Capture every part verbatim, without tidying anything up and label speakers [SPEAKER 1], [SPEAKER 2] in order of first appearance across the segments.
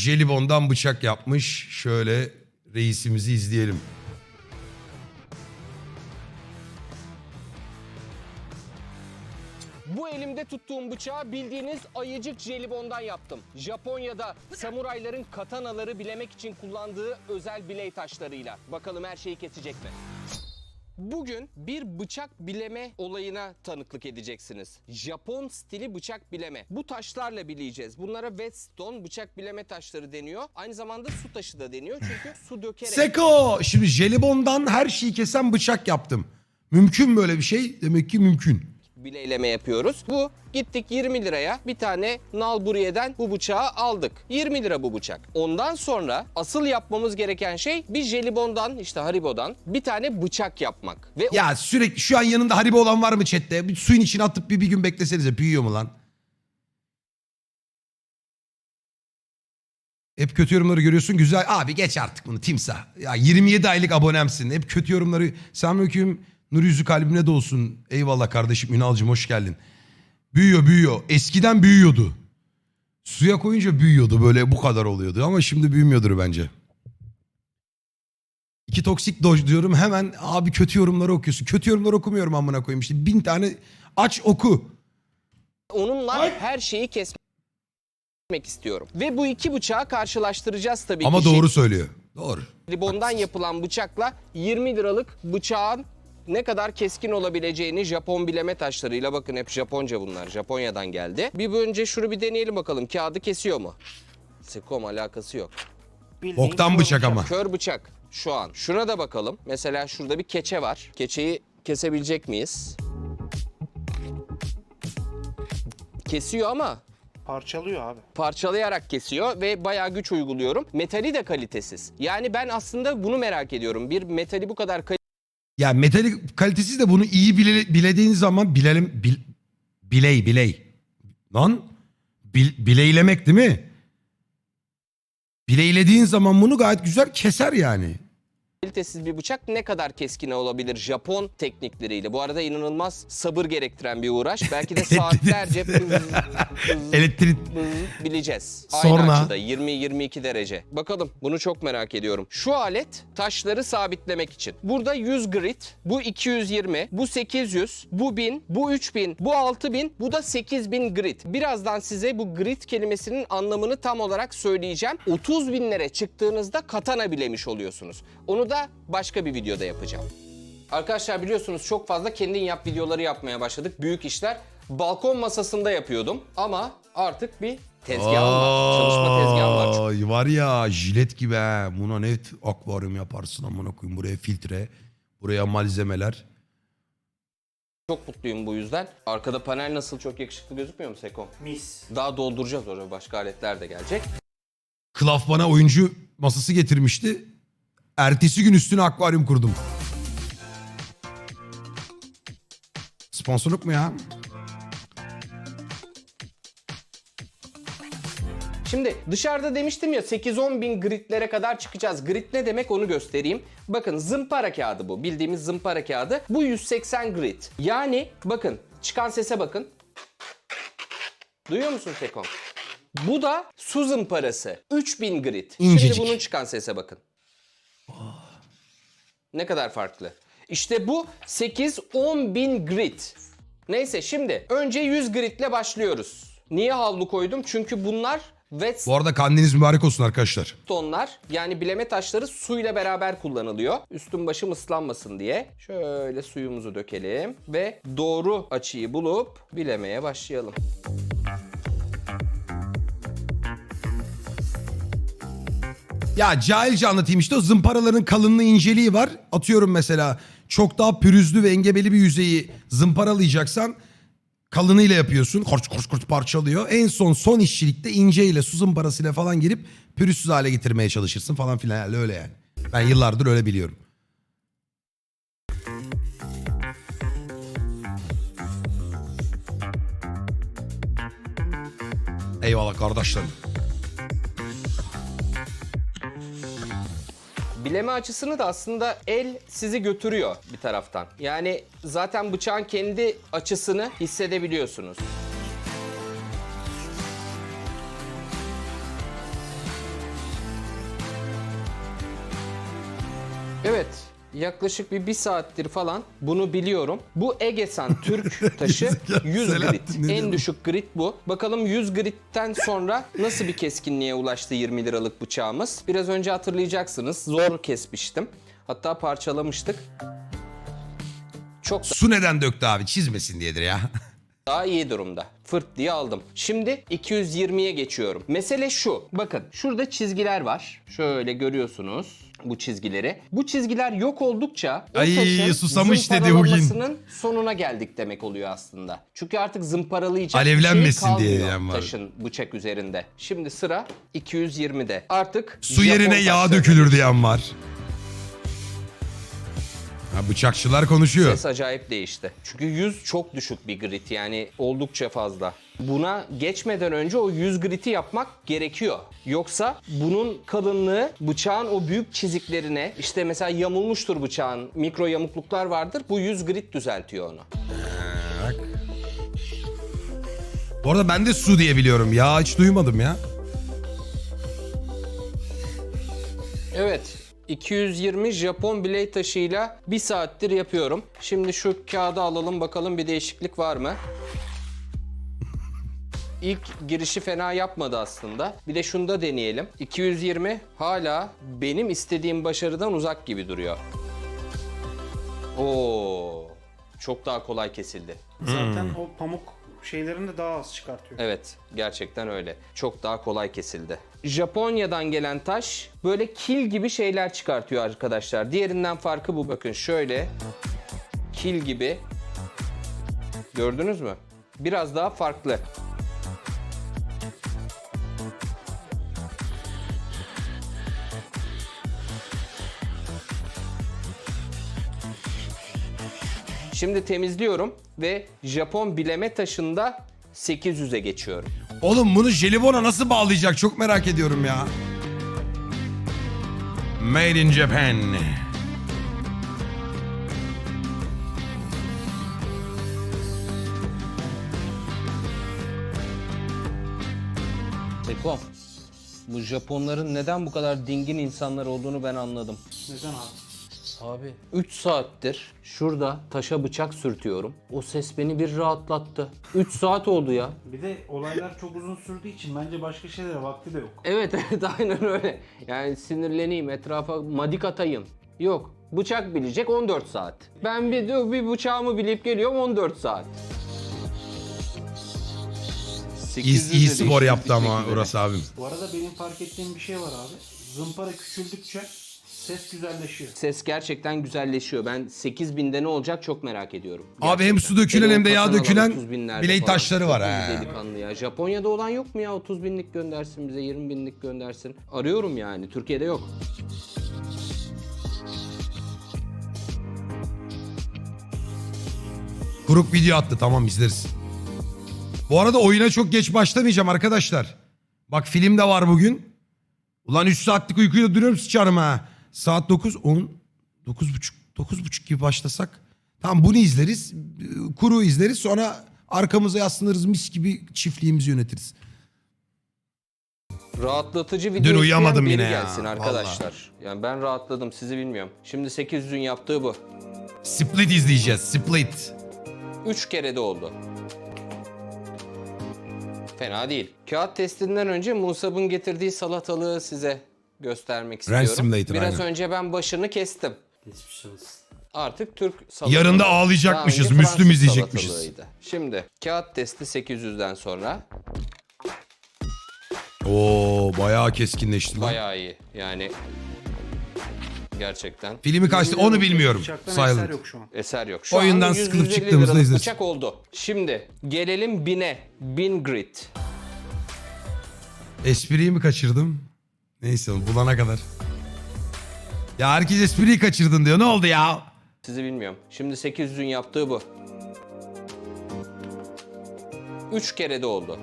[SPEAKER 1] jelibondan bıçak yapmış. Şöyle reisimizi izleyelim.
[SPEAKER 2] Bu elimde tuttuğum bıçağı bildiğiniz ayıcık jelibondan yaptım. Japonya'da samurayların katanaları bilemek için kullandığı özel biley taşlarıyla. Bakalım her şeyi kesecek mi? Bugün bir bıçak bileme olayına tanıklık edeceksiniz. Japon stili bıçak bileme. Bu taşlarla bileyeceğiz. Bunlara whetstone bıçak bileme taşları deniyor. Aynı zamanda su taşı da deniyor çünkü su dökerek...
[SPEAKER 1] Seko! Şimdi jelibondan her şeyi kesen bıçak yaptım. Mümkün mü böyle bir şey? Demek ki mümkün.
[SPEAKER 2] bileyleme yapıyoruz. Bu gittik yirmi liraya bir tane nalburiyeden bu bıçağı aldık. yirmi lira bu bıçak. Ondan sonra asıl yapmamız gereken şey bir jelibondan işte Haribo'dan bir tane bıçak yapmak. Ve
[SPEAKER 1] Ya sürekli şu an yanında Haribo olan var mı chatte? Bir suyun içine atıp bir, bir gün beklesenize. Büyüyor mu lan? Hep kötü yorumları görüyorsun. Güzel. Abi geç artık bunu timsah. Ya yirmi yedi aylık abonemsin. Hep kötü yorumları. Selamünaleyküm. Nur yüzü kalbine dolsun. Eyvallah kardeşim Ünal'cığım hoş geldin. Büyüyor büyüyor. Eskiden büyüyordu. Suya koyunca büyüyordu. Böyle bu kadar oluyordu. Ama şimdi büyümüyordur bence. İki toksik doj diyorum. Hemen abi kötü yorumları okuyorsun. Kötü yorumları okumuyorum amına koyayım. İşte bin tane aç oku.
[SPEAKER 2] onunla
[SPEAKER 1] Ay.
[SPEAKER 2] her şeyi kesmek istiyorum. Ve bu iki bıçağı karşılaştıracağız tabii
[SPEAKER 1] Ama
[SPEAKER 2] ki.
[SPEAKER 1] doğru söylüyor. Doğru.
[SPEAKER 2] Jelibondan yapılan bıçakla yirmi liralık bıçağın ne kadar keskin olabileceğini Japon bileme taşlarıyla, bakın hep Japonca bunlar. Japonya'dan geldi. Bir önce şunu bir deneyelim bakalım. Kağıdı kesiyor mu? Sekom alakası yok.
[SPEAKER 3] Bildiğin
[SPEAKER 1] Boktan
[SPEAKER 3] kör
[SPEAKER 1] bıçak ama.
[SPEAKER 2] Kör bıçak şu an. Şuna da bakalım. Mesela şurada bir keçe var. Keçeyi kesebilecek miyiz? Kesiyor ama
[SPEAKER 3] Parçalıyor abi.
[SPEAKER 2] parçalayarak kesiyor ve bayağı güç uyguluyorum. Metali de kalitesiz. Yani ben aslında bunu merak ediyorum. Bir metali bu kadar kalitesiz
[SPEAKER 1] Ya metalik kalitesiz de bunu iyi bile, bilediğin zaman bilelim bil, biley biley. Lan bil, bileylemek değil mi? Bileylediğin zaman bunu gayet güzel keser yani.
[SPEAKER 2] kalitesiz bir bıçak ne kadar keskin olabilir Japon teknikleriyle? Bu arada inanılmaz sabır gerektiren bir uğraş. Belki de saatlerce bız, bız,
[SPEAKER 1] Elektrik
[SPEAKER 2] bız bileceğiz.
[SPEAKER 1] Sonra-
[SPEAKER 2] Aynı açıda yirmi yirmi iki derece. Bakalım, bunu çok merak ediyorum. Şu alet taşları sabitlemek için. Burada yüz grit, bu iki yüz yirmi, bu sekiz yüz, bu bin, bu üç bin, bu altı bin, bu da sekiz bin grit. Birazdan size bu grit kelimesinin anlamını tam olarak söyleyeceğim. otuz binlere çıktığınızda katana bilemiş oluyorsunuz. Onu da başka bir videoda yapacağım. Arkadaşlar biliyorsunuz çok fazla kendin yap videoları yapmaya başladık. Büyük işler. Balkon masasında yapıyordum ama artık bir tezgahım var. Çalışma tezgahım var.
[SPEAKER 1] Ay, var ya jilet gibi he. Buna net akvaryum yaparsın amına koyayım. Buraya filtre, buraya malzemeler.
[SPEAKER 2] Çok mutluyum bu yüzden. Arkada panel nasıl, çok yakışıklı gözükmüyor mu Seko?
[SPEAKER 3] Mis.
[SPEAKER 2] Daha dolduracağız oraya. Başka aletler de gelecek.
[SPEAKER 1] Klaf bana oyuncu masası getirmişti. Ertesi gün üstüne akvaryum kurdum. Sponsorluk mu ya?
[SPEAKER 2] Şimdi dışarıda demiştim ya sekiz on bin gritlere kadar çıkacağız. Grit ne demek onu göstereyim. Bakın zımpara kağıdı bu. Bildiğimiz zımpara kağıdı. Bu yüz seksen grit. Yani bakın çıkan sese bakın. Duyuyor musun Sekom? Bu da su zımparası. üç bin grit.
[SPEAKER 1] İncecik.
[SPEAKER 2] Şimdi bunun çıkan sese bakın. Ne kadar farklı. İşte bu sekiz on bin grit. Neyse şimdi önce yüz gritle başlıyoruz. Niye havlu koydum? Çünkü bunlar
[SPEAKER 1] Bu arada kandiliniz mübarek olsun arkadaşlar.
[SPEAKER 2] whetstone'lar, yani bileme taşları suyla beraber kullanılıyor. Üstüm başım ıslanmasın diye. Şöyle suyumuzu dökelim ve doğru açıyı bulup bilemeye başlayalım.
[SPEAKER 1] Ya cahilce anlatayım işte, o zımparaların kalınlığı inceliği var. Atıyorum mesela çok daha pürüzlü ve engebeli bir yüzeyi zımparalayacaksan kalınıyla yapıyorsun. Kort kort kort parçalıyor. En son son işçilikte inceyle su zımparasıyla falan girip pürüzsüz hale getirmeye çalışırsın falan filan. Yani öyle yani. Ben yıllardır öyle biliyorum. Eyvallah kardeşlerim.
[SPEAKER 2] Bileme açısını da aslında el sizi götürüyor bir taraftan. Yani zaten bıçağın kendi açısını hissedebiliyorsunuz. Evet. Yaklaşık bir bir saattir falan bunu biliyorum. Bu Egesan Türk taşı yüz
[SPEAKER 1] Selahattin
[SPEAKER 2] grit.
[SPEAKER 1] ne
[SPEAKER 2] En
[SPEAKER 1] diyor?
[SPEAKER 2] düşük grit bu. Bakalım yüz gritten sonra nasıl bir keskinliğe ulaştı yirmi liralık bıçağımız. Biraz önce hatırlayacaksınız. Zor kesmiştim. Hatta parçalamıştık. Çok
[SPEAKER 1] Su neden döktü abi? Çizmesin diyedir ya.
[SPEAKER 2] daha iyi durumda. Fırt diye aldım. Şimdi iki yüz yirmiye geçiyorum. Mesele şu. Bakın şurada çizgiler var. Şöyle görüyorsunuz bu çizgileri. Bu çizgiler yok oldukça o
[SPEAKER 1] Ay,
[SPEAKER 2] taşın
[SPEAKER 1] susamış dedi
[SPEAKER 2] zımparalanmasının sonuna geldik demek oluyor aslında. Çünkü artık zımparalayacak
[SPEAKER 1] Alevlenmesin
[SPEAKER 2] bir şey
[SPEAKER 1] diye
[SPEAKER 2] kalmıyor
[SPEAKER 1] diyen var.
[SPEAKER 2] taşın bıçak üzerinde. Şimdi sıra iki yüz yirmide. Artık
[SPEAKER 1] Su
[SPEAKER 2] Japon
[SPEAKER 1] yerine yağ
[SPEAKER 2] taşlarına
[SPEAKER 1] dökülür diyen var. Ha, bıçakçılar konuşuyor.
[SPEAKER 2] Ses acayip değişti. Çünkü yüz çok düşük bir grit, yani oldukça fazla. Buna geçmeden önce o yüz griti yapmak gerekiyor. Yoksa bunun kalınlığı bıçağın o büyük çiziklerine, işte mesela yamulmuştur bıçağın, mikro yamukluklar vardır. Bu yüz grit düzeltiyor onu.
[SPEAKER 1] Bak. Bu arada ben de su diye biliyorum. Ya hiç duymadım ya.
[SPEAKER 2] Evet. iki yüz yirmi Japon biley taşıyla bir saattir yapıyorum. Şimdi şu kağıdı alalım bakalım bir değişiklik var mı? İlk girişi fena yapmadı aslında. Bir de şunu da deneyelim. iki yüz yirmi hala benim istediğim başarıdan uzak gibi duruyor. Oo, çok daha kolay kesildi.
[SPEAKER 3] Zaten o pamuk şeylerini de daha az çıkartıyor.
[SPEAKER 2] Evet, gerçekten öyle. Çok daha kolay kesildi. Japonya'dan gelen taş böyle kil gibi şeyler çıkartıyor arkadaşlar. Diğerinden farkı bu. Bakın şöyle kil gibi. Gördünüz mü? Biraz daha farklı. Şimdi temizliyorum ve Japon bileme taşında sekiz yüze geçiyorum.
[SPEAKER 1] Oğlum bunu jelibona nasıl bağlayacak çok merak ediyorum ya. Made in Japan.
[SPEAKER 2] Tekom, bu Japonların neden bu kadar dingin insanlar olduğunu ben anladım.
[SPEAKER 3] Neden abi?
[SPEAKER 2] Abi üç saattir şurada taşa bıçak sürtüyorum. O ses beni bir rahatlattı. üç saat oldu ya.
[SPEAKER 3] Bir de olaylar çok uzun sürdüğü için bence başka şeylere vakti de yok.
[SPEAKER 2] Evet evet aynen öyle. Yani sinirleneyim, etrafa madik atayım. Yok. Bıçak bilecek on dört saat. Ben bir, bir bıçağımı bilip geliyorum on dört saat.
[SPEAKER 1] İyi, iyi spor
[SPEAKER 2] değişti
[SPEAKER 1] yaptı ama
[SPEAKER 2] bitmek üzere.
[SPEAKER 1] Uras abim.
[SPEAKER 3] Bu arada benim fark ettiğim bir şey var abi. Zımpara küçüldükçe ses güzelleşiyor.
[SPEAKER 2] Ses gerçekten güzelleşiyor. Ben sekiz binde ne olacak çok merak ediyorum.
[SPEAKER 1] Abi hem su dökülen
[SPEAKER 2] Hele
[SPEAKER 1] hem de
[SPEAKER 2] o
[SPEAKER 1] yağ
[SPEAKER 2] katanalar
[SPEAKER 1] dökülen
[SPEAKER 2] otuz binlerde
[SPEAKER 1] biley
[SPEAKER 2] falan.
[SPEAKER 1] taşları
[SPEAKER 2] Çok
[SPEAKER 1] var
[SPEAKER 2] iyi
[SPEAKER 1] ha.
[SPEAKER 2] delikanlı ya. Japonya'da olan yok mu ya? otuz binlik göndersin bize, yirmi binlik göndersin. Arıyorum yani. Türkiye'de yok.
[SPEAKER 1] Kuruk video attı, tamam izleriz. Bu arada oyuna çok geç başlamayacağım arkadaşlar. Bak film de var bugün. Ulan üç saatlik uykuyla duruyorum sıçarım ha. Saat dokuz, on, dokuz buçuk, dokuz buçuk gibi başlasak. Tamam bunu izleriz. Kuru izleriz, sonra arkamıza yaslanırız, mis gibi çiftliğimizi yönetiriz.
[SPEAKER 2] Rahatlatıcı video
[SPEAKER 1] Dün
[SPEAKER 2] isteyen
[SPEAKER 1] uyuyamadım
[SPEAKER 2] biri
[SPEAKER 1] yine ya,
[SPEAKER 2] gelsin arkadaşlar. Yani ben rahatladım, sizi bilmiyorum. Şimdi sekiz yüzün yaptığı bu.
[SPEAKER 1] Split izleyeceğiz, Split.
[SPEAKER 2] üç kere de oldu. Fena değil. Kağıt testinden önce Musab'ın getirdiği salatalığı size göstermek istiyorum.
[SPEAKER 1] Simulator,
[SPEAKER 2] Biraz
[SPEAKER 1] aynen.
[SPEAKER 2] önce ben başını kestim.
[SPEAKER 3] Geçmiş olsun.
[SPEAKER 2] Artık Türk salatalığı.
[SPEAKER 1] Yarın da
[SPEAKER 2] Daha
[SPEAKER 1] ağlayacakmışız,
[SPEAKER 2] önce
[SPEAKER 1] Müslüm
[SPEAKER 2] Fransız
[SPEAKER 1] izleyecekmişiz.
[SPEAKER 2] salatalığıydı. Şimdi kağıt testi sekiz yüzden sonra
[SPEAKER 1] Oo bayağı keskinleşti lan.
[SPEAKER 2] bayağı iyi. Yani gerçekten
[SPEAKER 1] Filmi kaçtı onu bilmiyorum.
[SPEAKER 3] Bıçaktan
[SPEAKER 1] Silent.
[SPEAKER 3] eser yok şu an.
[SPEAKER 2] eser yok. Şu
[SPEAKER 1] Oyundan
[SPEAKER 2] anda yüz
[SPEAKER 1] sıkılıp
[SPEAKER 2] yüz elli
[SPEAKER 1] çıktığımızda
[SPEAKER 2] liralık
[SPEAKER 1] izleriz.
[SPEAKER 2] bıçak oldu. Şimdi gelelim bine. Bin grit.
[SPEAKER 1] Espriyi mi kaçırdım? Neyse oğlum, bulana kadar. Ya herkes espriyi kaçırdın diyor. Ne oldu ya?
[SPEAKER 2] Sizi bilmiyorum. Şimdi sekiz yüzün yaptığı bu. üç kere de oldu.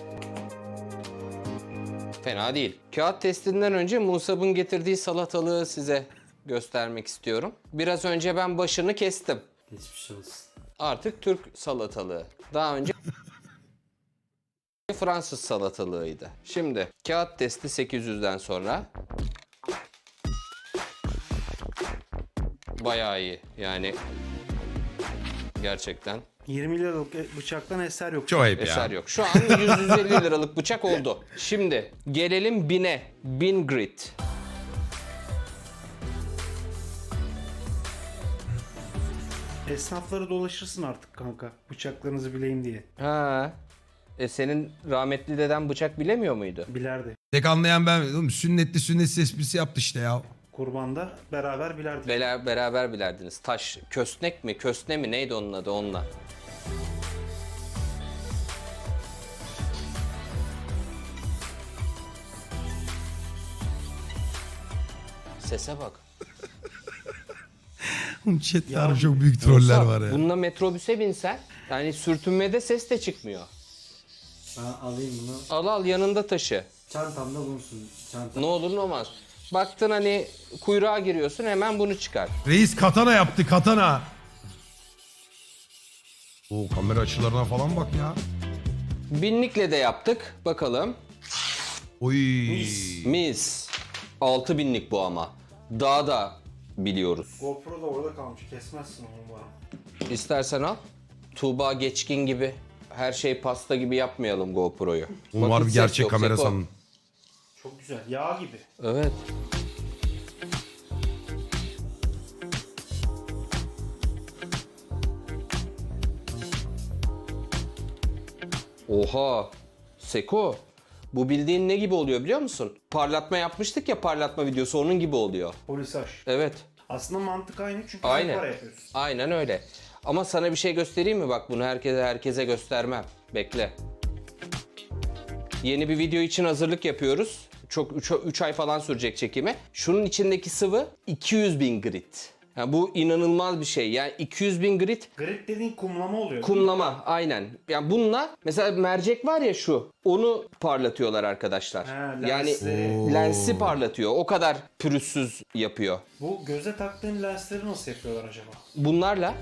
[SPEAKER 2] Fena değil. Kağıt testinden önce Musab'ın getirdiği salatalığı size göstermek istiyorum. Biraz önce ben başını kestim.
[SPEAKER 3] Geçmiş olsun.
[SPEAKER 2] Artık Türk salatalığı. Daha önce Fransız salatalığıydı. Şimdi kağıt testi sekiz yüzden sonra bayağı iyi. Yani gerçekten
[SPEAKER 3] yirmi liralık bıçaktan eser yok.
[SPEAKER 1] Çok ayıp
[SPEAKER 2] eser
[SPEAKER 1] ya.
[SPEAKER 2] yok. Şu an yüz yüz elli liralık bıçak oldu. Şimdi gelelim bine. bin grit.
[SPEAKER 3] Esnafları dolaşırsın artık kanka. Bıçaklarınızı bileyim diye.
[SPEAKER 2] Ha. E senin rahmetli deden bıçak bilemiyor muydu?
[SPEAKER 3] Bilerdi.
[SPEAKER 1] Tek anlayan ben. Oğlum, sünnetli sünnetsiz esprisi yaptı işte ya.
[SPEAKER 3] Kurbanda beraber bilerdik.
[SPEAKER 2] Bela- beraber bilerdiniz. Taş, kösnek mi, kösne mi neydi onun adı onunla? Sese bak.
[SPEAKER 1] Oğlum chatte
[SPEAKER 3] Ya,
[SPEAKER 1] harbi çok büyük troller
[SPEAKER 2] Olsa
[SPEAKER 1] var ya.
[SPEAKER 2] Bununla metrobüse binsen yani sürtünmede ses de çıkmıyor.
[SPEAKER 4] Ben alayım bunu.
[SPEAKER 2] Al al yanında taşı.
[SPEAKER 4] Çantamda bulunsun. Çantam.
[SPEAKER 2] Ne olur ne olmaz. Baktın hani kuyruğa giriyorsun hemen bunu çıkar.
[SPEAKER 1] Reis katana yaptı katana. Oo, kamera açılarına falan bak ya.
[SPEAKER 2] Binlikle de yaptık. Bakalım.
[SPEAKER 1] Oy.
[SPEAKER 2] Mis. altı binlik bu ama. Daha da biliyoruz.
[SPEAKER 3] GoPro da orada kalmış. Kesmezsin onu bana.
[SPEAKER 2] İstersen al. Tuğba Geçkin gibi her şey pasta gibi yapmayalım GoPro'yu.
[SPEAKER 1] Oğlum
[SPEAKER 2] Bak,
[SPEAKER 1] harbi
[SPEAKER 2] hiç ses
[SPEAKER 1] gerçek
[SPEAKER 2] yok,
[SPEAKER 1] kamera
[SPEAKER 2] Seko.
[SPEAKER 1] sandım.
[SPEAKER 3] Çok güzel. Yağ gibi.
[SPEAKER 2] Evet. Oha. Seko. Bu bildiğin ne gibi oluyor biliyor musun? Parlatma yapmıştık ya parlatma videosu onun gibi oluyor.
[SPEAKER 3] Polisaj.
[SPEAKER 2] Evet.
[SPEAKER 3] Aslında mantık aynı çünkü
[SPEAKER 2] Aynen.
[SPEAKER 3] para yapıyorsun.
[SPEAKER 2] Aynen öyle. Ama sana bir şey göstereyim mi? Bak bunu herkese herkese göstermem. Bekle. Yeni bir video için hazırlık yapıyoruz. Çok üç ay falan sürecek çekimi. Şunun içindeki sıvı iki yüz bin grit. Yani bu inanılmaz bir şey. Yani iki yüz bin grit
[SPEAKER 3] Grit dediğin kumlama oluyor.
[SPEAKER 2] kumlama aynen. Yani bununla mesela mercek var ya şu onu parlatıyorlar arkadaşlar.
[SPEAKER 3] Ha,
[SPEAKER 2] yani
[SPEAKER 3] lensleri.
[SPEAKER 2] lensi parlatıyor. O kadar pürüzsüz yapıyor.
[SPEAKER 3] Bu göze taktığın lensleri nasıl yapıyorlar acaba?
[SPEAKER 2] Bunlarla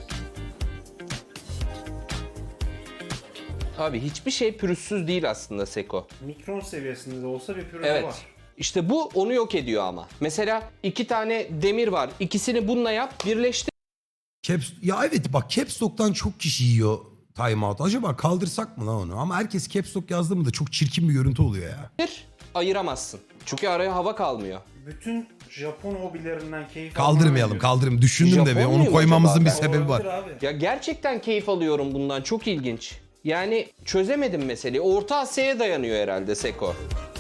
[SPEAKER 2] abi hiçbir şey pürüzsüz değil aslında Seko.
[SPEAKER 3] Mikron seviyesinde de olsa bir pürüzü
[SPEAKER 2] Evet.
[SPEAKER 3] var.
[SPEAKER 2] İşte bu onu yok ediyor ama. Mesela iki tane demir var. İkisini bununla yap, birleştir.
[SPEAKER 1] Caps, ya evet bak Caps Lock'tan çok kişi yiyor timeout. Acaba kaldırsak mı lan onu? Ama herkes Caps Lock yazdı mı da çok çirkin bir görüntü oluyor ya.
[SPEAKER 2] Ayıramazsın. Çünkü araya hava kalmıyor.
[SPEAKER 3] Bütün Japon hobilerinden keyif
[SPEAKER 1] Kaldırmayalım kaldırmayalım. Düşündüm de
[SPEAKER 2] Japon
[SPEAKER 1] bir onu
[SPEAKER 2] muyum
[SPEAKER 1] koymamızın
[SPEAKER 2] acaba
[SPEAKER 1] bir
[SPEAKER 2] ben?
[SPEAKER 1] sebebi var.
[SPEAKER 3] Abi.
[SPEAKER 2] Ya gerçekten keyif alıyorum bundan. Çok ilginç. Yani çözemedim meseleyi. Orta Asya'ya dayanıyor herhalde Seko.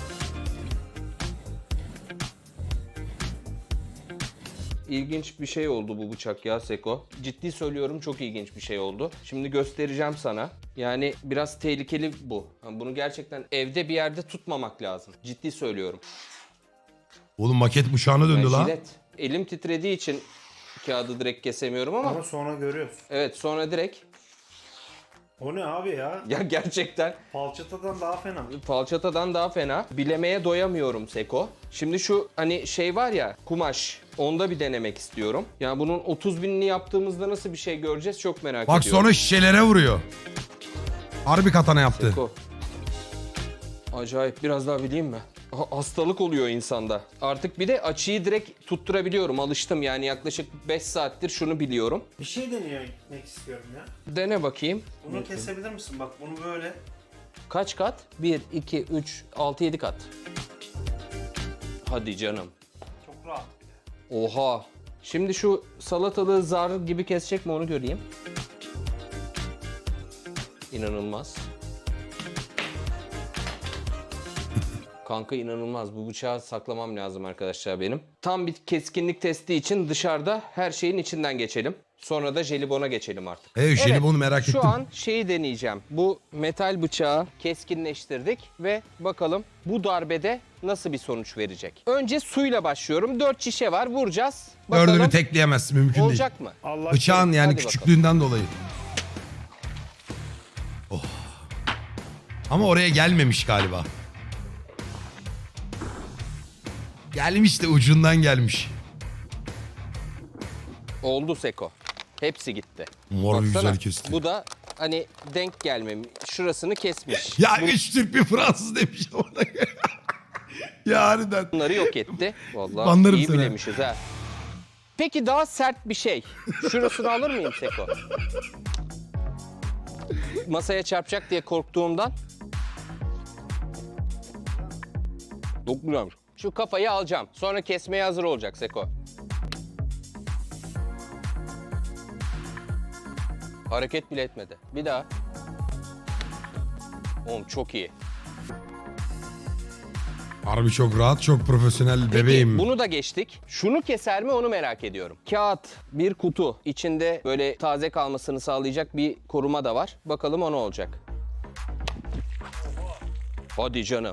[SPEAKER 2] İlginç bir şey oldu bu bıçak ya Seko. Ciddi söylüyorum çok ilginç bir şey oldu. Şimdi göstereceğim sana. Yani biraz tehlikeli bu. Yani bunu gerçekten evde bir yerde tutmamak lazım. Ciddi söylüyorum.
[SPEAKER 1] Oğlum maket bıçağına döndü
[SPEAKER 2] Yani
[SPEAKER 1] lan.
[SPEAKER 2] jilet. Elim titrediği için kağıdı direkt kesemiyorum ama
[SPEAKER 3] Ama sonra görüyorsun.
[SPEAKER 2] evet sonra direkt
[SPEAKER 3] O ne abi ya?
[SPEAKER 2] ya gerçekten
[SPEAKER 3] Falçatadan daha fena.
[SPEAKER 2] falçatadan daha fena. Bilemeye doyamıyorum Seko. Şimdi şu hani şey var ya kumaş. Onda bir denemek istiyorum. Yani bunun otuz binini yaptığımızda nasıl bir şey göreceğiz çok merak
[SPEAKER 1] Bak
[SPEAKER 2] ediyorum.
[SPEAKER 1] sonra şişelere vuruyor. Harbi katana yaptı.
[SPEAKER 2] Seko. Acayip biraz daha bileyim mi? Ha- Hastalık oluyor insanda. Artık bir de açıyı direkt tutturabiliyorum. Alıştım yani yaklaşık beş saattir şunu biliyorum.
[SPEAKER 3] Bir şey denemek istiyorum ya.
[SPEAKER 2] Dene bakayım.
[SPEAKER 3] Bunu kesebilir misin? Bak bunu böyle.
[SPEAKER 2] Kaç kat? bir, iki, üç, altı, yedi kat. Hadi canım.
[SPEAKER 3] Çok rahat.
[SPEAKER 2] Oha. Şimdi şu salatalığı zar gibi kesecek mi onu göreyim. İnanılmaz. Kanka inanılmaz. Bu bıçağı saklamam lazım arkadaşlar benim. Tam bir keskinlik testi için dışarıda her şeyin içinden geçelim. Sonra da jelibona geçelim artık.
[SPEAKER 1] Evet, jelibonu merak
[SPEAKER 2] şu
[SPEAKER 1] ettim.
[SPEAKER 2] Şu an şeyi deneyeceğim. Bu metal bıçağı keskinleştirdik ve bakalım bu darbede nasıl bir sonuç verecek. Önce suyla başlıyorum. dört şişe var. Vuracağız. Bakalım
[SPEAKER 1] Dördünü tekleyemezsin mümkün değil.
[SPEAKER 2] olacak mı?
[SPEAKER 3] Allah
[SPEAKER 1] Bıçağın yani
[SPEAKER 2] Hadi
[SPEAKER 1] küçüklüğünden dolayı. Oh. Ama oraya gelmemiş galiba. Gelmiş de ucundan gelmiş.
[SPEAKER 2] Oldu Seko. Hepsi gitti.
[SPEAKER 1] Mor
[SPEAKER 2] Baksana,
[SPEAKER 1] güzel kesti.
[SPEAKER 2] bu da hani denk gelmemiş. Şurasını kesmiş.
[SPEAKER 1] Ya üç Türk bir Fransız demiş ona. Ya harbiden.
[SPEAKER 2] Bunları yok etti. Vallahi
[SPEAKER 1] Banlarım
[SPEAKER 2] iyi
[SPEAKER 1] seni.
[SPEAKER 2] bilemişiz ha. Peki daha sert bir şey. Şurasını alır mıyım Seko? Masaya çarpacak diye korktuğumdan. Çok güzelmiş. Şu kafayı alacağım. Sonra kesmeye hazır olacak Seko. Hareket bile etmedi. Bir daha. Oğlum çok iyi.
[SPEAKER 1] Harbi çok rahat, çok profesyonel
[SPEAKER 2] Peki,
[SPEAKER 1] bebeğim.
[SPEAKER 2] bunu da geçtik. Şunu keser mi onu merak ediyorum. Kağıt, bir kutu. İçinde böyle taze kalmasını sağlayacak bir koruma da var. Bakalım o ne olacak. Hadi canım.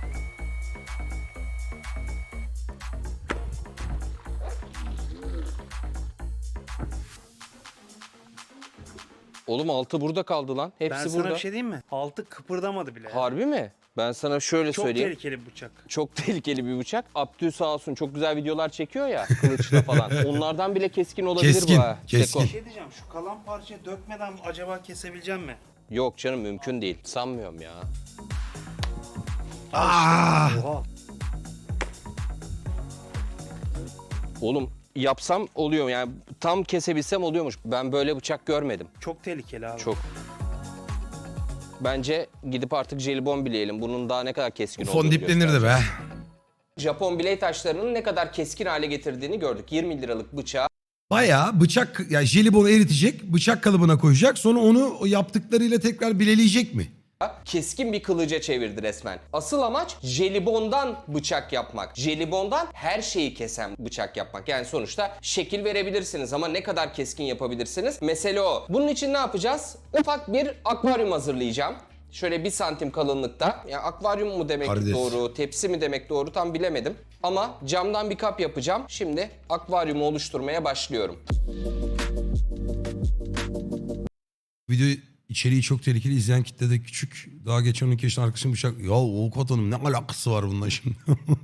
[SPEAKER 2] Oğlum altı burada kaldı lan.
[SPEAKER 3] Ben
[SPEAKER 2] Hepsi
[SPEAKER 3] sana
[SPEAKER 2] burada.
[SPEAKER 3] bir şey diyeyim mi? Altı kıpırdamadı bile.
[SPEAKER 2] Harbi mi? Ben sana şöyle
[SPEAKER 3] Çok
[SPEAKER 2] söyleyeyim.
[SPEAKER 3] tehlikeli bir bıçak.
[SPEAKER 2] Çok tehlikeli bir bıçak. Abdü sağ olsun çok güzel videolar çekiyor ya kılıçla falan. Onlardan bile keskin olabilir
[SPEAKER 1] Keskin,
[SPEAKER 2] bu ha.
[SPEAKER 1] keskin.
[SPEAKER 2] Seko.
[SPEAKER 3] Bir şey diyeceğim, şu kalan parçayı dökmeden acaba kesebileceğim mi?
[SPEAKER 2] Yok canım mümkün değil. Sanmıyorum ya.
[SPEAKER 1] Aa!
[SPEAKER 3] Oha.
[SPEAKER 2] Oğlum yapsam oluyor yani tam kesebilsem oluyormuş. Ben böyle bıçak görmedim.
[SPEAKER 3] Çok tehlikeli abi.
[SPEAKER 2] Çok. Bence gidip artık jelibon bileyelim. Bunun daha ne kadar keskin olduğunu
[SPEAKER 1] Fon diplenirdi
[SPEAKER 2] göstereceğim.
[SPEAKER 1] be.
[SPEAKER 2] Japon biley taşlarının ne kadar keskin hale getirdiğini gördük. yirmi liralık bıçağı
[SPEAKER 1] Bayağı bıçak, yani jelibonu eritecek, bıçak kalıbına koyacak. Sonra onu o yaptıklarıyla tekrar bileleyecek mi?
[SPEAKER 2] keskin bir kılıca çevirdi resmen. Asıl amaç jelibondan bıçak yapmak. Jelibondan her şeyi kesen bıçak yapmak. Yani sonuçta şekil verebilirsiniz ama ne kadar keskin yapabilirsiniz? Mesele o. Bunun için ne yapacağız? Ufak bir akvaryum hazırlayacağım. Şöyle bir santim kalınlıkta. Yani akvaryum mu demek
[SPEAKER 1] Karides.
[SPEAKER 2] doğru, tepsi mi demek doğru tam bilemedim. Ama camdan bir kap yapacağım. Şimdi akvaryumu oluşturmaya başlıyorum.
[SPEAKER 1] Video içeriği çok tehlikeli. İzleyen kitle de küçük. Daha geçen on iki yaşında arkadaşım bıçak. Ya avukat hanım ne alakası var bununla şimdi?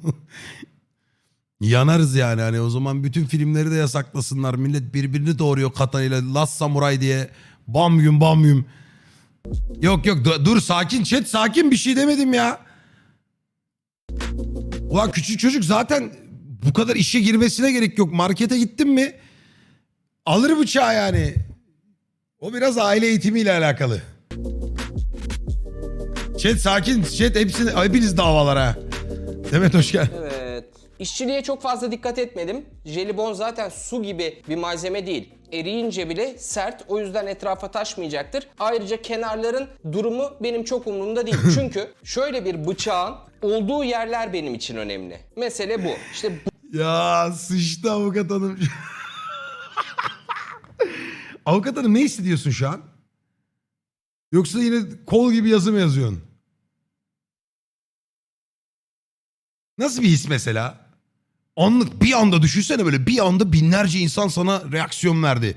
[SPEAKER 1] Yanarız yani. Hani o zaman bütün filmleri de yasaklasınlar. Millet birbirini doğuruyor katanıyla. Last Samurai diye. Bam gün bam gün. Yok yok dur, dur sakin chat sakin bir şey demedim ya. Ulan küçük çocuk zaten bu kadar işe girmesine gerek yok. Markete gittin mi alır bıçağı yani. O biraz aile eğitimiyle alakalı. Chat sakin chat hepsini hepiniz davalara. Demet hoş geldin.
[SPEAKER 2] Evet. İşçiliğe çok fazla dikkat etmedim. Jelibon zaten su gibi bir malzeme değil. Eriyince bile sert, o yüzden etrafa taşmayacaktır. Ayrıca kenarların durumu benim çok umurumda değil. Çünkü şöyle bir bıçağın olduğu yerler benim için önemli. Mesele bu. İşte bu
[SPEAKER 1] Ya sıçtı avukat hanım. Avukat hanım ne hissediyorsun şu an? Yoksa yine kol gibi yazı mı yazıyorsun? Nasıl bir his mesela? Anlık bir anda düşünsene böyle bir anda binlerce insan sana reaksiyon verdi.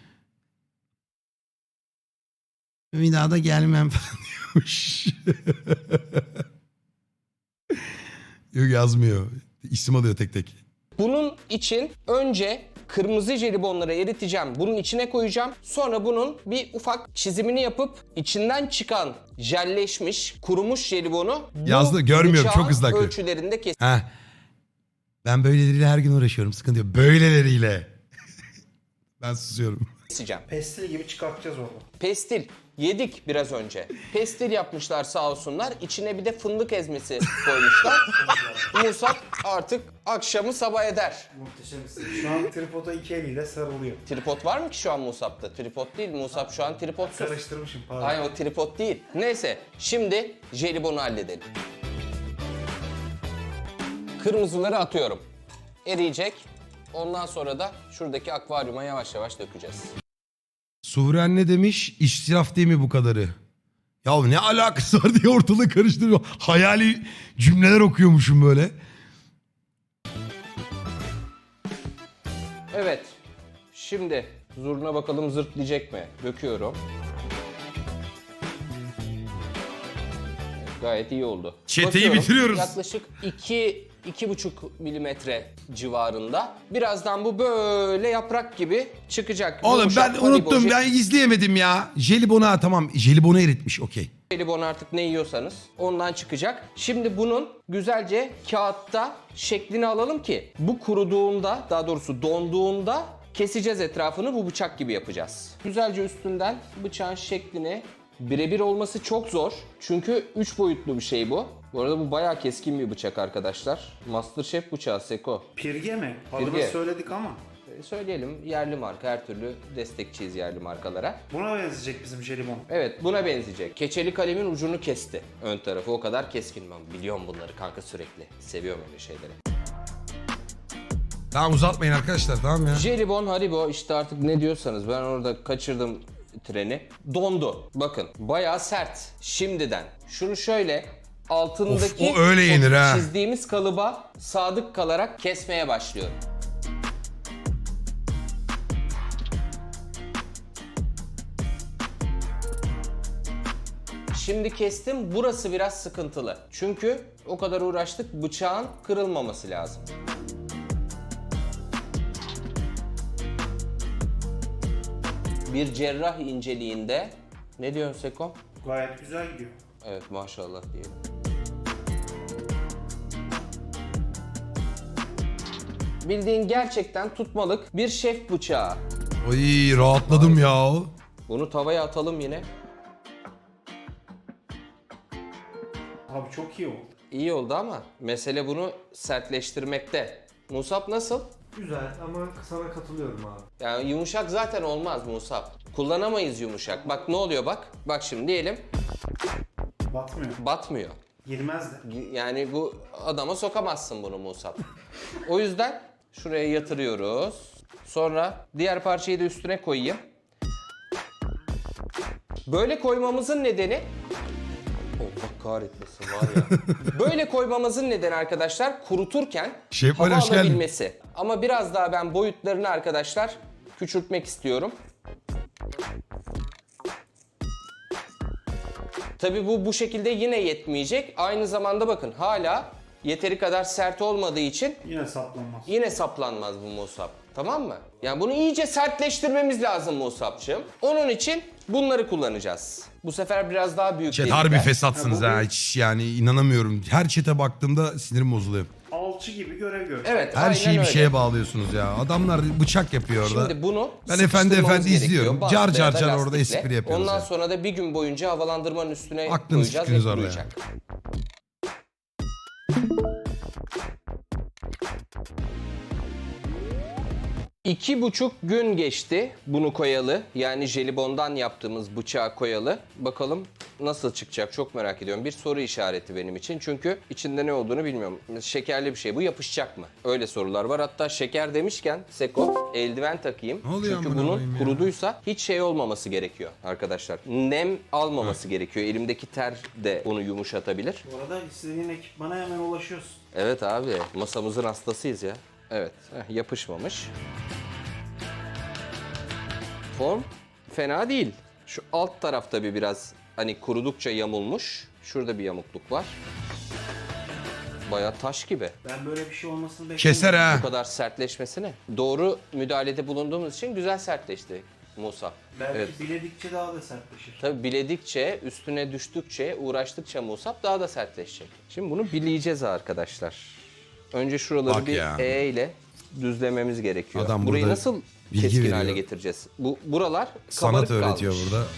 [SPEAKER 1] Bir daha da gelmem falan diyormuş. Yok yazmıyor. İsim alıyor tek tek.
[SPEAKER 2] bunun için önce kırmızı jelibonları eriteceğim. Bunun içine koyacağım. Sonra bunun bir ufak çizimini yapıp içinden çıkan jelleşmiş, kurumuş jelibonu bu
[SPEAKER 1] Yazdı, görmüyorum,
[SPEAKER 2] bıçağın
[SPEAKER 1] çok hızlı akıyor.
[SPEAKER 2] ölçülerinde kes.
[SPEAKER 1] Ha. Ben böyleleriyle her gün uğraşıyorum. Sıkıntı yok. Böyleleriyle. Ben susuyorum.
[SPEAKER 2] keseceğim.
[SPEAKER 3] Pestil gibi çıkartacağız orada.
[SPEAKER 2] Pestil yedik biraz önce. Pestil yapmışlar sağ olsunlar. İçine bir de fındık ezmesi koymuşlar. Musab artık akşamı sabah eder.
[SPEAKER 4] Muhteşemsin.
[SPEAKER 3] Şu an tripoda iki eliyle sarılıyor.
[SPEAKER 2] Tripod var mı ki şu an Musab'da? Tripod değil. Musab şu an tripodsuz.
[SPEAKER 3] Karıştırmışım pardon.
[SPEAKER 2] Hayır o tripod değil. Neyse şimdi jelibonu halledelim. Kırmızıları atıyorum. Eriyecek. Ondan sonra da şuradaki akvaryuma yavaş yavaş dökeceğiz.
[SPEAKER 1] Suhren ne demiş? İsraf değil mi bu kadarı? Ya ne alakası var diye ortalığı karıştırıyor. Hayali cümleler okuyormuşum böyle.
[SPEAKER 2] Evet. Şimdi zurna bakalım zırtlayacak mı? Döküyorum. Evet, gayet iyi oldu.
[SPEAKER 1] Çeteyi
[SPEAKER 2] Bakıyorum,
[SPEAKER 1] bitiriyoruz.
[SPEAKER 2] Yaklaşık iki iki buçuk milimetre civarında. Birazdan bu böyle yaprak gibi çıkacak.
[SPEAKER 1] Oğlum
[SPEAKER 2] Yumuşak,
[SPEAKER 1] ben unuttum
[SPEAKER 2] hariboncuk.
[SPEAKER 1] ben izleyemedim ya. Jelibonu ha tamam jelibonu eritmiş okey.
[SPEAKER 2] Jelibon artık ne yiyorsanız ondan çıkacak. Şimdi bunun güzelce kağıtta şeklini alalım ki bu kuruduğunda, daha doğrusu donduğunda keseceğiz etrafını, bu bıçak gibi yapacağız. Güzelce üstünden bıçağın şeklini, birebir olması çok zor. Çünkü üç boyutlu bir şey bu. Bu arada bu bayağı keskin bir bıçak arkadaşlar. MasterChef bıçağı Seko.
[SPEAKER 3] Pirge mi? Adını
[SPEAKER 2] Pirge.
[SPEAKER 3] söyledik ama.
[SPEAKER 2] E, Söyleyelim, yerli marka, her türlü destekçiyiz yerli markalara.
[SPEAKER 3] Buna benzeyecek bizim jelibon.
[SPEAKER 2] Evet, buna benzeyecek. Keçeli kalemin ucunu kesti. Ön tarafı o kadar keskin. Ben biliyorum bunları kanka sürekli. Seviyorum öyle şeyleri.
[SPEAKER 1] Tamam uzatmayın arkadaşlar, tamam ya.
[SPEAKER 2] Jelibon, Haribo, işte artık ne diyorsanız, ben orada kaçırdım treni. Dondu. Bakın bayağı sert şimdiden. Şunu şöyle altındaki
[SPEAKER 1] Of, o öyle yenir ha.
[SPEAKER 2] çizdiğimiz kalıba sadık kalarak kesmeye başlıyorum. Şimdi kestim. Burası biraz sıkıntılı. Çünkü o kadar uğraştık, bıçağın kırılmaması lazım. Bir cerrah inceliğinde. Ne diyorsun Seko?
[SPEAKER 3] Gayet güzel gidiyor.
[SPEAKER 2] Evet, maşallah diyelim. Bildiğin gerçekten tutmalık bir şef bıçağı.
[SPEAKER 1] Oy rahatladım ya.
[SPEAKER 2] Bunu tavaya atalım yine.
[SPEAKER 3] Abi çok iyi oldu.
[SPEAKER 2] İyi oldu ama mesele bunu sertleştirmekte. Musab nasıl?
[SPEAKER 4] Güzel ama sana katılıyorum abi.
[SPEAKER 2] Yani yumuşak zaten olmaz Musab. Kullanamayız yumuşak. Bak ne oluyor bak. Bak şimdi diyelim
[SPEAKER 3] Batmıyor.
[SPEAKER 2] batmıyor.
[SPEAKER 3] Girmez de.
[SPEAKER 2] Yani bu adama sokamazsın bunu Musab. O yüzden şuraya yatırıyoruz. Sonra diğer parçayı da üstüne koyayım. Böyle koymamızın nedeni... Allah kahretmesin var ya. Böyle koymamızın nedeni arkadaşlar kuruturken
[SPEAKER 1] Şef
[SPEAKER 2] hava
[SPEAKER 1] Mali, hoş geldin.
[SPEAKER 2] alabilmesi. Ama biraz daha ben boyutlarını arkadaşlar küçültmek istiyorum. Tabii bu bu şekilde yine yetmeyecek. Aynı zamanda bakın hala yeteri kadar sert olmadığı için
[SPEAKER 3] Yine saplanmaz.
[SPEAKER 2] yine saplanmaz bu Musab. Tamam mı? Yani bunu iyice sertleştirmemiz lazım Musab'cığım. Onun için bunları kullanacağız. Bu sefer biraz daha büyük
[SPEAKER 1] Chat
[SPEAKER 2] delikler.
[SPEAKER 1] harbi fesatsınız
[SPEAKER 3] Ha, bu
[SPEAKER 1] ha.
[SPEAKER 3] bir-
[SPEAKER 1] Hiç yani inanamıyorum. Her chat'e baktığımda sinirim bozuluyor.
[SPEAKER 3] Alçı gibi görev gör.
[SPEAKER 2] Evet,
[SPEAKER 1] Her
[SPEAKER 2] aynen
[SPEAKER 1] şeyi bir
[SPEAKER 2] öyle.
[SPEAKER 1] şeye bağlıyorsunuz ya. Adamlar bıçak yapıyor orada.
[SPEAKER 2] Şimdi bunu
[SPEAKER 1] Ben efendi
[SPEAKER 2] sıkıştırmamız
[SPEAKER 1] efendi
[SPEAKER 2] gerekiyor.
[SPEAKER 1] izliyorum.
[SPEAKER 2] Bant
[SPEAKER 1] Car
[SPEAKER 2] veya
[SPEAKER 1] car
[SPEAKER 2] da
[SPEAKER 1] car orada
[SPEAKER 2] lastikle.
[SPEAKER 1] espri yapıyoruz
[SPEAKER 2] Ondan
[SPEAKER 1] ya.
[SPEAKER 2] sonra da bir gün boyunca havalandırmanın üstüne
[SPEAKER 1] Aklınız
[SPEAKER 2] koyacağız
[SPEAKER 1] fikriniz
[SPEAKER 2] ve
[SPEAKER 1] orada ya.
[SPEAKER 2] kuruyacak. İki buçuk gün geçti bunu koyalı. Yani jelibondan yaptığımız bıçağı koyalı. Bakalım nasıl çıkacak, çok merak ediyorum. Bir soru işareti benim için. Çünkü içinde ne olduğunu bilmiyorum. Şekerli bir şey. Bu yapışacak mı? Öyle sorular var. Hatta şeker demişken Seko, eldiven takayım.
[SPEAKER 1] Ne oluyor
[SPEAKER 2] Çünkü
[SPEAKER 1] amına
[SPEAKER 2] bunun
[SPEAKER 1] koyayım ya?
[SPEAKER 2] kuruduysa hiç şey olmaması gerekiyor arkadaşlar. Nem almaması gerekiyor. Elimdeki ter de onu yumuşatabilir.
[SPEAKER 3] Bu arada istediğin ekipmana hemen ulaşıyorsun.
[SPEAKER 2] Evet abi, masamızın hastasıyız ya. Evet, heh, yapışmamış. Form fena değil. Şu alt tarafta bir biraz hani kurudukça yamulmuş. Şurada bir yamukluk var. Bayağı taş gibi.
[SPEAKER 3] Ben böyle bir şey olmasını bekliyorum.
[SPEAKER 1] Keser ha.
[SPEAKER 2] Bu kadar sertleşmesine. Doğru müdahalede bulunduğumuz için güzel sertleşti Musa.
[SPEAKER 3] Belki
[SPEAKER 2] Evet.
[SPEAKER 3] biledikçe daha da sertleşir.
[SPEAKER 2] Tabii biledikçe, üstüne düştükçe, uğraştıkça Musab daha da sertleşecek. Şimdi bunu bileyeceğiz arkadaşlar. Önce şuraları
[SPEAKER 1] Bak
[SPEAKER 2] bir
[SPEAKER 1] ya.
[SPEAKER 2] E ile düzlememiz gerekiyor.
[SPEAKER 1] Adam
[SPEAKER 2] Burayı
[SPEAKER 1] burada
[SPEAKER 2] nasıl
[SPEAKER 1] bilgi
[SPEAKER 2] keskin
[SPEAKER 1] veriyor.
[SPEAKER 2] hale getireceğiz? Bu buralar
[SPEAKER 1] Sanat
[SPEAKER 2] kabarık
[SPEAKER 1] öğretiyor
[SPEAKER 2] kalmış.
[SPEAKER 1] burada.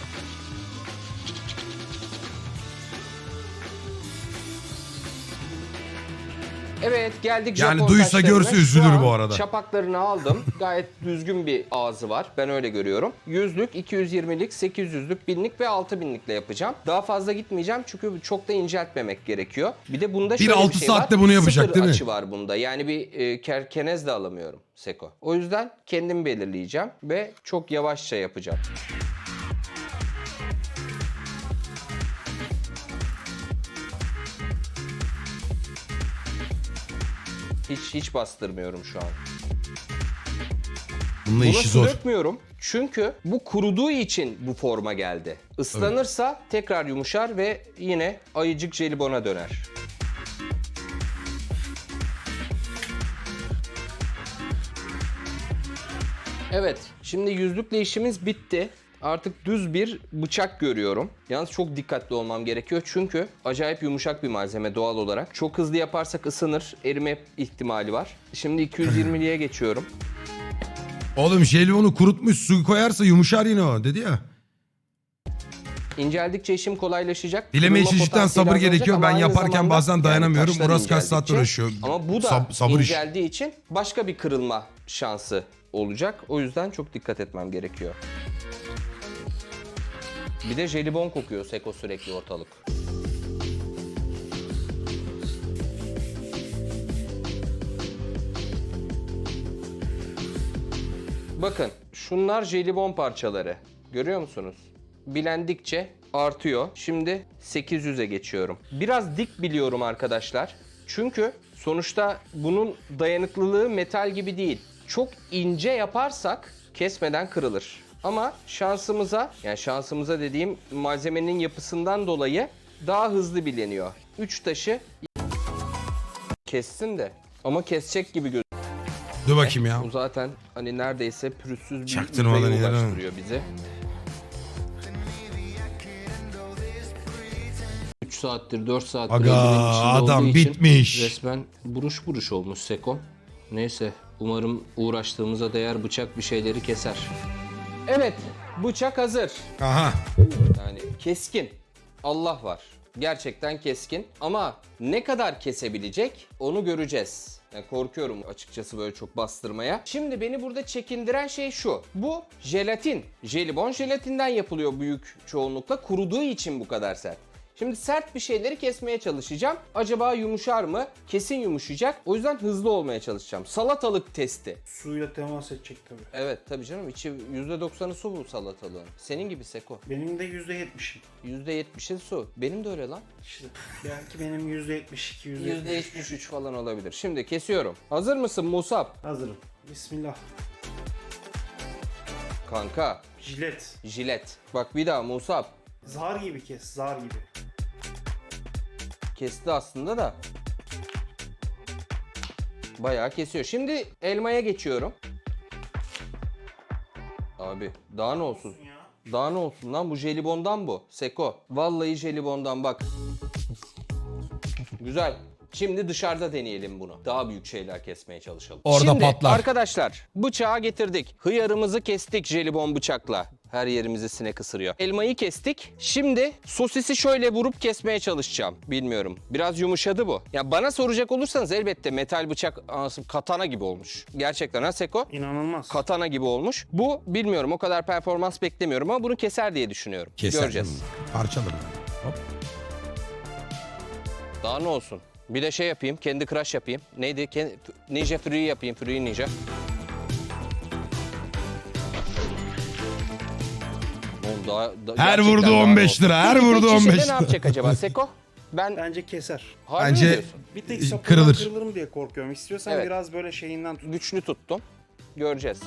[SPEAKER 2] Evet, geldik
[SPEAKER 1] Yani
[SPEAKER 2] Japon
[SPEAKER 1] duysa
[SPEAKER 2] taşlarına.
[SPEAKER 1] görse
[SPEAKER 2] Şu
[SPEAKER 1] üzülür
[SPEAKER 2] an
[SPEAKER 1] bu arada.
[SPEAKER 2] Çapaklarını aldım. Gayet düzgün bir ağzı var. Ben öyle görüyorum. Yüzlük, iki yüz yirmilik, sekiz yüzlük, binlik ve altı binlikle yapacağım. Daha fazla gitmeyeceğim çünkü çok da inceltmemek gerekiyor. Bir de bunda
[SPEAKER 1] Bir
[SPEAKER 2] şöyle
[SPEAKER 1] altı
[SPEAKER 2] bir şey
[SPEAKER 1] saatte
[SPEAKER 2] var.
[SPEAKER 1] bunu yapacak,
[SPEAKER 2] Sıfır
[SPEAKER 1] değil mi?
[SPEAKER 2] açı var bunda. Yani bir e, kerkenez de alamıyorum Seko. O yüzden kendim belirleyeceğim ve çok yavaşça yapacağım. Hiç hiç bastırmıyorum şu an.
[SPEAKER 1] Bununla
[SPEAKER 2] Buna
[SPEAKER 1] işi
[SPEAKER 2] su
[SPEAKER 1] zor.
[SPEAKER 2] dökmüyorum çünkü bu kuruduğu için bu forma geldi. Islanırsa tekrar yumuşar ve yine ayıcık jelibona döner. Evet, şimdi yüzlükle işimiz bitti. artık düz bir bıçak görüyorum. Yalnız çok dikkatli olmam gerekiyor çünkü acayip yumuşak bir malzeme doğal olarak. Çok hızlı yaparsak ısınır, erime ihtimali var. Şimdi iki yüz yirmiliye geçiyorum.
[SPEAKER 1] Oğlum jelibonu kurutmuş su koyarsa yumuşar yine o dedi ya.
[SPEAKER 2] İnceldikçe işim kolaylaşacak.
[SPEAKER 1] Dileme
[SPEAKER 2] Kırılma
[SPEAKER 1] için cidden
[SPEAKER 2] potansiyeli
[SPEAKER 1] sabır
[SPEAKER 2] azalacak
[SPEAKER 1] gerekiyor.
[SPEAKER 2] ama
[SPEAKER 1] Ben
[SPEAKER 2] aynı
[SPEAKER 1] yaparken
[SPEAKER 2] zamanda
[SPEAKER 1] bazen dayanamıyorum.
[SPEAKER 2] taşlar
[SPEAKER 1] Murat kaç saattir
[SPEAKER 2] inceldikçe-
[SPEAKER 1] uğraşıyor.
[SPEAKER 2] Ama bu da
[SPEAKER 1] Sab- sabır iş.
[SPEAKER 2] inceldiği için başka bir kırılma şansı olacak. O yüzden çok dikkat etmem gerekiyor. Bir de jelibon kokuyor Seko sürekli ortalık. Bakın şunlar jelibon parçaları. Görüyor musunuz? Bilendikçe artıyor. Şimdi sekiz yüze geçiyorum. Biraz dik biliyorum arkadaşlar. Çünkü sonuçta bunun dayanıklılığı metal gibi değil. Çok ince yaparsak kesmeden kırılır. Ama şansımıza, yani şansımıza dediğim malzemenin yapısından dolayı daha hızlı bileniyor. Üç taşı kessin de ama kesecek gibi gözüküyor.
[SPEAKER 1] Dur bakayım ya.
[SPEAKER 2] Bu zaten hani neredeyse pürüzsüz bir
[SPEAKER 1] Çaktırmadan
[SPEAKER 2] yüzeye
[SPEAKER 1] ilerleme.
[SPEAKER 2] ulaştırıyor bizi. üç saattir, dört saattir
[SPEAKER 1] Aga,
[SPEAKER 2] eldivenin içinde
[SPEAKER 1] adam
[SPEAKER 2] olduğu için
[SPEAKER 1] bitmiş.
[SPEAKER 2] resmen buruş buruş olmuş Seko. Neyse, umarım uğraştığımıza değer bıçak bir şeyleri keser. Evet, bıçak hazır.
[SPEAKER 1] Aha.
[SPEAKER 2] Yani keskin. Allah var. Gerçekten keskin. Ama ne kadar kesebilecek onu göreceğiz. Yani korkuyorum açıkçası böyle çok bastırmaya. Şimdi beni burada çekindiren şey şu. Bu jelatin. Jelibon jelatinden yapılıyor büyük çoğunlukla. Kuruduğu için bu kadar sert. Şimdi sert bir şeyleri kesmeye çalışacağım. Acaba yumuşar mı? Kesin yumuşayacak. O yüzden hızlı olmaya çalışacağım. Salatalık testi.
[SPEAKER 3] Suyla temas edecek tabii.
[SPEAKER 2] Evet tabii canım. İçi yüzde doksanı su bu salatalığın. Senin gibi Seko.
[SPEAKER 3] Benim de yüzde yetmişim.
[SPEAKER 2] yüzde yetmişi su. Benim de öyle lan.
[SPEAKER 3] İşte belki benim yüzde yetmiş iki, yüzde
[SPEAKER 2] yüzde
[SPEAKER 3] yetmiş
[SPEAKER 2] yetmiş üç falan olabilir. Şimdi kesiyorum. Hazır mısın Musab?
[SPEAKER 3] Hazırım. Bismillah.
[SPEAKER 2] Kanka.
[SPEAKER 3] Jilet.
[SPEAKER 2] Jilet. Bak bir daha Musab.
[SPEAKER 3] Zar gibi kes, zar gibi.
[SPEAKER 2] Kesti aslında da. Bayağı kesiyor. Şimdi elmaya geçiyorum. Abi daha ne olsun? Daha ne olsun lan, bu jelibondan bu. Seko. Vallahi jelibondan bak. Güzel. Şimdi dışarıda deneyelim bunu. Daha büyük şeyler kesmeye çalışalım.
[SPEAKER 1] Orada
[SPEAKER 2] Şimdi,
[SPEAKER 1] patlar.
[SPEAKER 2] arkadaşlar bıçağı getirdik. Hıyarımızı kestik jelibon bıçakla. Her yerimizi sinek ısırıyor. Elmayı kestik. Şimdi sosisi şöyle vurup kesmeye çalışacağım. Bilmiyorum. Biraz yumuşadı bu. Ya bana soracak olursanız elbette metal bıçak anasını katana gibi olmuş. Gerçekten ha Seko?
[SPEAKER 3] İnanılmaz.
[SPEAKER 2] Katana gibi olmuş. Bu bilmiyorum, o kadar performans beklemiyorum ama bunu keser diye düşünüyorum.
[SPEAKER 1] Keser.
[SPEAKER 2] Göreceğiz.
[SPEAKER 1] Parçalarım. Hop.
[SPEAKER 2] Daha ne olsun? Bir de şey yapayım, kendi crush yapayım. Neydi? Kendi, Ninja Fury yapayım, Fury Ninja. Oğlum daha, da-
[SPEAKER 1] Her
[SPEAKER 2] gerçekten
[SPEAKER 1] vurdu
[SPEAKER 2] daha ne
[SPEAKER 1] on beş
[SPEAKER 2] olsun?
[SPEAKER 1] lira. Her
[SPEAKER 2] Peki,
[SPEAKER 1] vurdu
[SPEAKER 2] tek
[SPEAKER 1] on
[SPEAKER 2] şişede
[SPEAKER 1] beş
[SPEAKER 2] ne
[SPEAKER 1] lira.
[SPEAKER 2] yapacak acaba Seko? Ben
[SPEAKER 3] Bence keser.
[SPEAKER 2] harbi mi
[SPEAKER 1] Bence
[SPEAKER 2] diyorsun?
[SPEAKER 3] Bir tek
[SPEAKER 1] Ee,
[SPEAKER 3] sapından
[SPEAKER 1] kırılır.
[SPEAKER 3] kırılırım diye korkuyorum. İstiyorsan
[SPEAKER 2] Evet.
[SPEAKER 3] biraz böyle şeyinden tut.
[SPEAKER 2] Güçlü tuttum. Göreceğiz.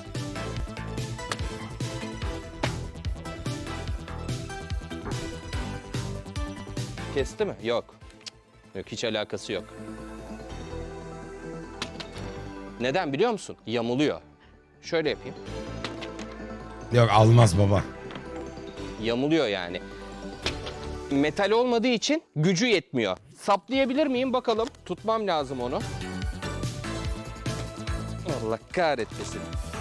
[SPEAKER 2] Kesti mi? Yok. Cık, yok, hiç alakası yok. Neden biliyor musun? Yamuluyor. Şöyle yapayım.
[SPEAKER 1] Yok almaz baba.
[SPEAKER 2] Yamuluyor yani. Metal olmadığı için gücü yetmiyor. Saplayabilir miyim bakalım. Tutmam lazım onu. Allah kahretmesin.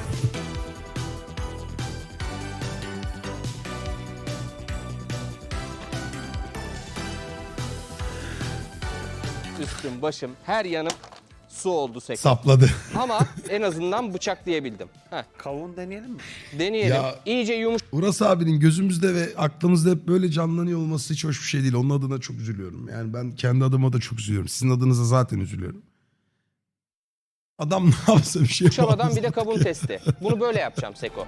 [SPEAKER 2] Üstüm, başım, her yanım su oldu Seko.
[SPEAKER 1] Sapladı.
[SPEAKER 2] Ama en azından bıçaklayabildim. Heh,
[SPEAKER 3] Kavun deneyelim mi?
[SPEAKER 2] deneyelim.
[SPEAKER 1] Ya-
[SPEAKER 2] İyice yumuş.
[SPEAKER 1] Uras abinin gözümüzde ve aklımızda hep böyle canlanıyor olması hiç hoş bir şey değil. Onun adına çok üzülüyorum. Yani ben kendi adıma da çok üzülüyorum. Sizin adınıza zaten üzülüyorum. Adam ne yapsa bir şey
[SPEAKER 2] Yumuşamadan bir de
[SPEAKER 1] yapamaz.
[SPEAKER 2] kavun testi. Bunu böyle yapacağım Seko.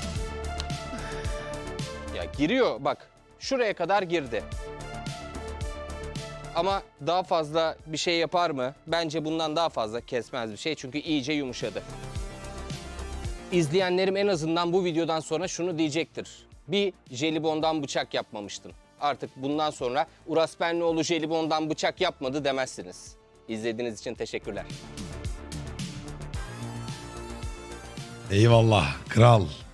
[SPEAKER 2] Ya giriyor bak. Şuraya kadar girdi. Ama daha fazla bir şey yapar mı? Bence bundan daha fazla kesmez bir şey. Çünkü iyice yumuşadı. İzleyenlerim en azından bu videodan sonra şunu diyecektir. Bir jelibondan bıçak yapmamıştın. Artık bundan sonra Uras Benlioğlu jelibondan bıçak yapmadı demezsiniz. İzlediğiniz için teşekkürler.
[SPEAKER 1] Eyvallah kral.